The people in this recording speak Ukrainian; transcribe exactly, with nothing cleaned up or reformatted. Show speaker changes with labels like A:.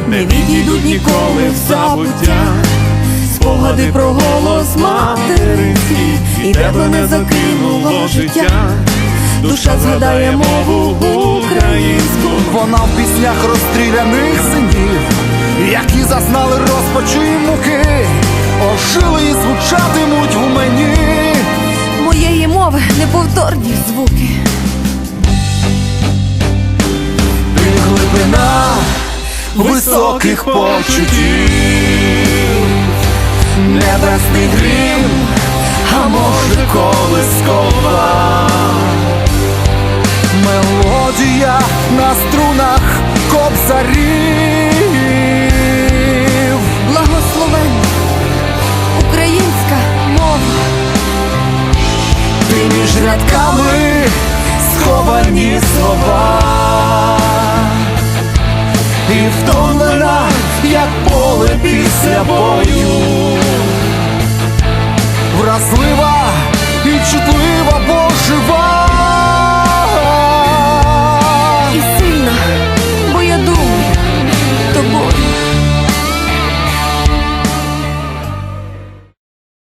A: не відійдуть ніколи в забуття. Спогади про голос материнський, і тебе не закинуло життя. Душа згадає мову українську.
B: Вона в піснях розстріляних синів, які зазнали розпачі й муки, ожили і звучатимуть в мені.
A: Моєї мови неповторні звуки.
B: Ти глибина високих почуттів, небесний грім, а може колискова мелодія на струнах кобзарів.
A: Благословенна українська мова.
B: Ти між рядками сховані слова, і втомлена, як поле після бою, вразлива і чутлива.